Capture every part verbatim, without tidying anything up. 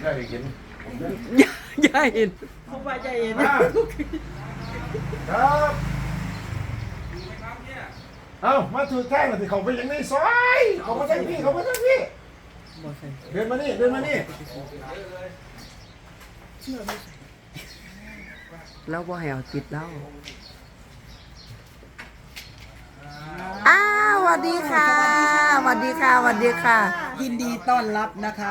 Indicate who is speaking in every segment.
Speaker 1: ได้เห็น
Speaker 2: ย่าเห็น
Speaker 3: เขาว่าใจเย็น
Speaker 1: ครับเอ้ามาถือแท่งเลยเขาไปยังในซอยเขามาทั้งพี่เขามาทั้งพี่เดินมานี่เดินมานี่
Speaker 2: แล้วว่าให้เอาติดแล้วอ้าวสวัสดีค่ะสวัสดีค่ะสวัสดีค่ะ
Speaker 3: ยินดีต้อนรับนะคะ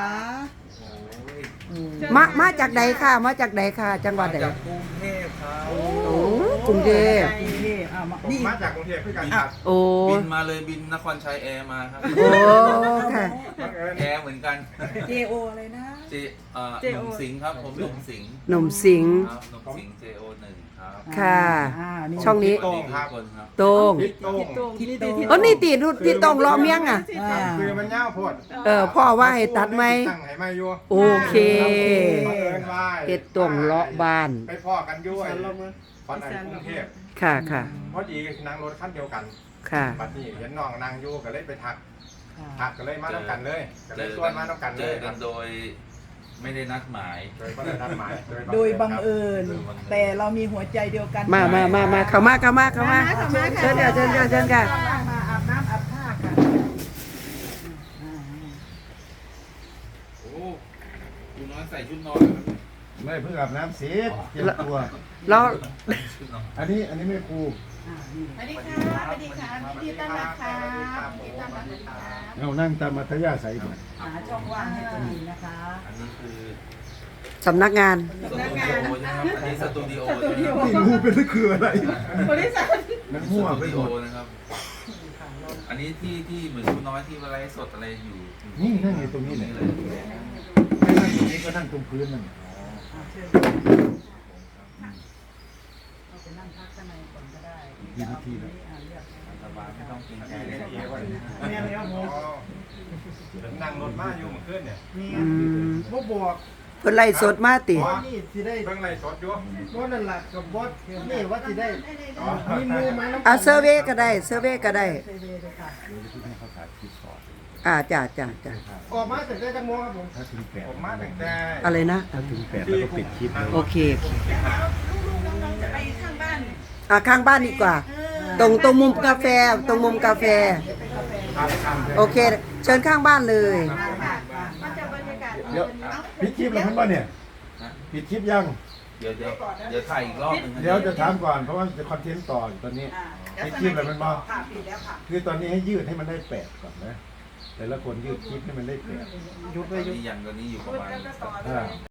Speaker 2: มามาจากไหนค่ะ มาจากไหนค่ะ จังหวัดไหน
Speaker 4: จากกรุงเทพครับ
Speaker 2: โอ้กรุงเทพ
Speaker 3: กรุงเทพอ่ะมานี่
Speaker 1: มาจากกรุงเทพด้วยกันครับ
Speaker 2: โอ้
Speaker 4: บินมาเลยบินนครชัยแอร์มาครับ
Speaker 2: โอ้ค่ะ
Speaker 4: แอร์เหมือนกัน
Speaker 3: เจโออะไรนะ
Speaker 4: เจเอ่อหนุ่มสิงห์ครับผมหนุ่มสิงห์
Speaker 2: หนุ่มสิงห์
Speaker 4: ครับหนุ่มสิงห์ เจ โอ หนึ่งครับ
Speaker 2: ค่ะ
Speaker 3: อ่า
Speaker 2: ช่องนี้
Speaker 4: สวัสดีทุกคนครับ
Speaker 2: โต้ง
Speaker 1: ทิศโต้ง
Speaker 3: ทิศโต
Speaker 2: เออนี่ตีดูที่ต้องล้อเมียงอ่ะ
Speaker 3: อ่า
Speaker 1: คือมันเงาโพด
Speaker 2: เออพ่อว่าให้ตัดไหม
Speaker 1: ตั้งให้ไม่ยั่ว
Speaker 2: โอเค
Speaker 1: บังเอิญว่า
Speaker 2: เฮ็ดต้องเลาะบ้าน
Speaker 1: ไปพ่อกันด้วยตอนนั้นกรุงเทพ
Speaker 2: ค่ะค่ะ
Speaker 1: พอดีนั่งรถคันเดียวกัน
Speaker 2: ค่ะ
Speaker 1: บัดนี้เห็นน้องนั่งอยู่ก็เลยไปทักทักก็เลยมาต้องกันเลยก็เลยชวนมาต้องกัน
Speaker 4: เจ
Speaker 1: เลย
Speaker 4: อกันโดยไม่ได้นัดหมาย
Speaker 1: โดยก็ได้นัดหมาย
Speaker 3: โดยบังเอิญ แต่เรามีหัวใจเดียวกัน
Speaker 2: มามามามาเข้ามาเข้ามาเข้ามาเชิญค่ะเชิญค่ะเชิญค่ะ
Speaker 3: มาอาบน้ำอาบท่าค่ะ
Speaker 4: โอ้คุณน้อยใส่ชุดนอน
Speaker 1: ไม่เพิ่งอาบน้ำเสียเตรียมตัว
Speaker 2: แล้ว
Speaker 4: ชุดนอน
Speaker 1: อันนี้อันนี้ไม่ครู
Speaker 5: สวัสดีค่ะสวัสดีค่ะยินดีต้อนรับค่ะยินดีต้อนรับค่ะ
Speaker 1: เอานั่งตามมัธยาศัยก่อน
Speaker 3: หาช่องว่างให้ดีนะคะ
Speaker 4: อันนี้คือ
Speaker 2: สำนักงาน
Speaker 4: สตูดิโอใช่ไหมครับอันนี้สตูดิโอใช่ไหมครับ
Speaker 1: ไม่รู้เป็นคืออะไร
Speaker 3: บริษัท
Speaker 1: มัน
Speaker 4: ส
Speaker 1: มั่ว
Speaker 4: ตู
Speaker 1: ไป
Speaker 4: ดิ
Speaker 1: ห
Speaker 4: โอ
Speaker 1: มด
Speaker 4: นะครับ อันนี้ที่ที่เหมือนคุณน้อยที่อะไรสดอะไรอยู่
Speaker 1: นี่นั่งอยู่ตรงนี้เลย
Speaker 4: เลย
Speaker 1: ไม่นั่งตรงนี้ก็นั่งตรงพื้นนั่น
Speaker 3: เราไปนั่งพักข้างในก่อนก็ได้
Speaker 1: มีวิธีแล้ว
Speaker 4: สบายไม่ต้องกินแก
Speaker 1: แม่
Speaker 4: เลย
Speaker 1: แล้วผมนั่งรถมาอยู่เมื่อคืนเนี่ย
Speaker 3: นี่
Speaker 2: อืม
Speaker 6: บ่บอก
Speaker 2: เพิ่นไล่สดมาติ
Speaker 6: ว่านี่สิได้
Speaker 1: เพิ่งไล่สดอยู่
Speaker 6: บ่นั่นล่ะกับบอสนี่ว่าสิได้มีมือมาน้ำ
Speaker 2: เอาเซอร์เวย์ก็ได้เซอร์เวย์ก็ได้
Speaker 3: เซเวเลยค่ะ
Speaker 2: อ่าจ้าจ้าจ้า
Speaker 6: ออกมาแต่ได้จังโมงครับผม
Speaker 1: ถ้าถึงแปดผมมาตั้งแต่
Speaker 2: อะไรนะ
Speaker 1: ถ้าถึงแปดแล้วก็ปิดคลิปเลย
Speaker 2: โอเคโอเค
Speaker 5: ลูกๆน้องๆจะไปข้างบ้าน
Speaker 2: อ่ะข้างบ้านดีกว่า ตรงตรงมุมกาแฟตรงมุมกาแฟ โอเค เชิญข้างบ้านเลย
Speaker 5: ค่ะมันจะบรรยากาศ
Speaker 1: เดี๋ยวปิดคลิปแล้วมันป่ะเนี่ยปิดคลิปยัง
Speaker 4: เดี๋ยวเดี๋ยวเดี๋ยวถ่ายอีกรอบหนึง
Speaker 1: เดี๋ยวจะถามก่อนเพราะว่าจะคอนเทนต์ต่ออยู่ตอนนี้ ปิดคลิปแล้วมันบ่
Speaker 3: ค่ะปิดแล้วค่ะ
Speaker 1: คือตอนนี้ให้ยืดให้มันได้แปดก่อนนะแต่ละคนยืดคลิปให้มันได้แปด
Speaker 6: ยุด
Speaker 4: ต
Speaker 6: ไป
Speaker 4: อน
Speaker 6: ยุด
Speaker 4: นี้ยังตอนนี้อยู่ประมาณ
Speaker 1: อ่า